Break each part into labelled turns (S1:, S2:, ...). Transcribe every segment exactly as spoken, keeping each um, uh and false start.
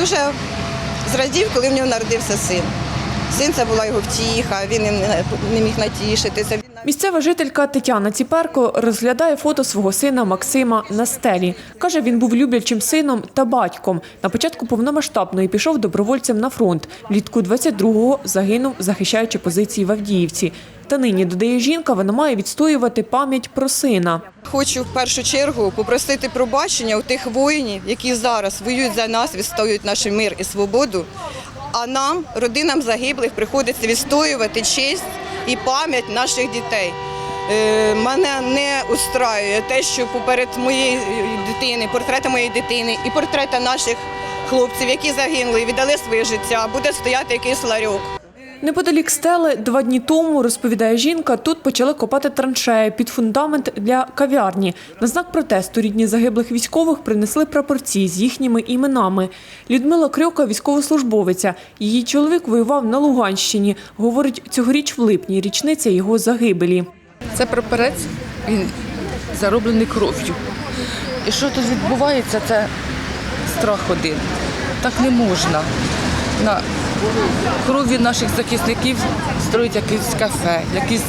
S1: дуже зрадів, коли в нього народився син. Син – це була його втіха, він не міг натішитися.
S2: Місцева жителька Тетяна Ціперко розглядає фото свого сина Максима на стелі. Каже, він був люблячим сином та батьком. На початку повномасштабної пішов добровольцем на фронт. Влітку двадцять другого загинув, захищаючи позиції в Авдіївці. Та нині, додає жінка, вона має відстоювати пам'ять про сина.
S1: Хочу в першу чергу попросити пробачення у тих воїнів, які зараз воюють за нас, відстоюють наш мир і свободу. А нам, родинам загиблих, приходиться відстоювати честь і пам'ять наших дітей. Е, мене не устраює те, що поперед моєї дитини, портрети моєї дитини і портрети наших хлопців, які загинули і віддали своє життя, буде стояти якийсь ларьок.
S2: Неподалік стели два дні тому, розповідає жінка, тут почали копати траншеї під фундамент для кав'ярні. На знак протесту рідні загиблих військових принесли прапорці з їхніми іменами. Людмила Крьока – військовослужбовиця. Її чоловік воював на Луганщині. Говорить, цьогоріч в липні – річниця його загибелі.
S3: Це прапорець, він зароблений кров'ю. І що тут відбувається, це страх один. Так не можна. На крові наших захисників строїть якесь кафе, якісь...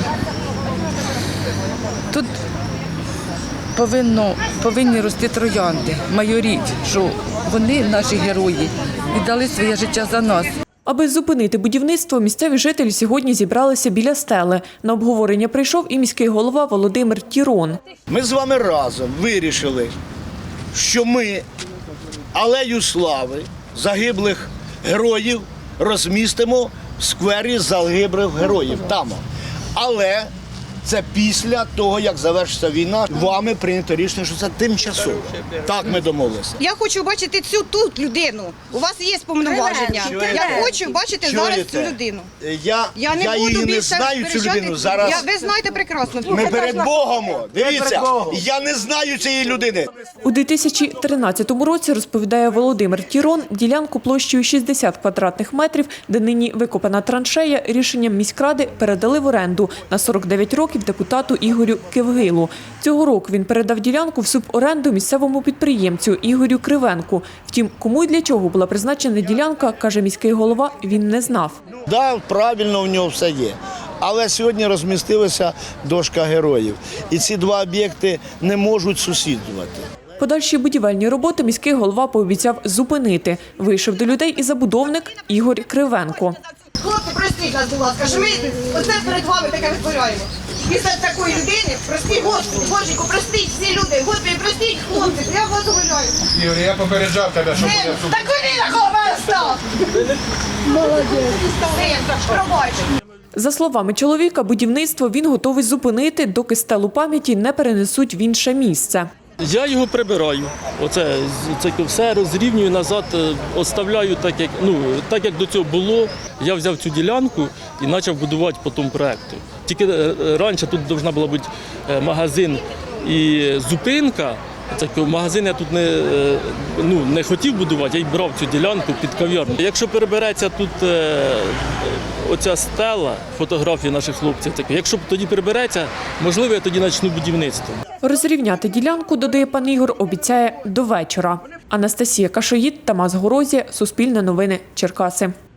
S3: Тут повинно, повинні рости троянди, майоріть, що вони, наші герої, віддали своє життя за нас.
S2: Аби зупинити будівництво, місцеві жителі сьогодні зібралися біля стели. На обговорення прийшов і міський голова Володимир Тірон.
S4: Ми з вами разом вирішили, що ми алею слави загиблих героїв розмістимо в сквері загиблих героїв там. Але це після того, як завершиться війна, вами прийнято рішення, що це тимчасово. Так ми домовилися.
S1: Я хочу бачити цю тут людину. У вас є повноваження. Я хочу бачити зараз цю людину.
S4: Я,
S1: Я не
S4: я
S1: буду
S4: її не
S1: більше
S4: знаю, цю
S1: сперечати.
S4: людину. Зараз
S1: Я, ви знаєте прекрасно.
S4: ми перед Богом. Дивіться, я не знаю цієї людини.
S2: У дві тисячі тринадцятому році, розповідає Володимир Тірон, ділянку площею шістдесят квадратних метрів, де нині викопана траншея, рішенням міськради передали в оренду на сорок дев'ять років депутату Ігорю Кевгилу. Цього року він передав ділянку в суборенду місцевому підприємцю Ігорю Кривенку. Втім, кому і для чого була призначена ділянка, каже міський голова, він не знав.
S4: Так, правильно, в нього все є. Але сьогодні розмістилася дошка героїв. І ці два об'єкти не можуть сусідувати.
S2: Подальші будівельні роботи міський голова пообіцяв зупинити. Вийшов до людей і забудовник Ігор Кривенко.
S1: Хлопці, простіть нас, будь ласка, що ми оце перед вами таке витворяємо. Після такої людини, простіть, Господи, Боженьку, простіть всі люди, Господи, простіть, хлопці, я вас умоляю.
S5: Ігор, я попереджав тебе, що буде суд.
S1: Так ви на кого мене став? Молодець. Пробач.
S2: За словами чоловіка, будівництво він готовий зупинити, доки стелу пам'яті не перенесуть в інше місце.
S6: Я його прибираю. Оце це все розрівнюю назад, оставляю так, як ну так як до цього було. Я взяв цю ділянку і почав будувати по тому проекту. Тільки раніше тут повинна була бути магазин і зупинка. Так, магазин я тут не, ну, не хотів будувати, я й брав цю ділянку під кав'ярню. Якщо перебереться тут е, оця стела, фотографії наших хлопців, так, якщо тоді перебереться, можливо, я тоді почну будівництво.
S2: Розрівняти ділянку, додає пан Ігор, обіцяє до вечора. Анастасія Кашоїд, Тамас Горозія, Суспільне новини, Черкаси.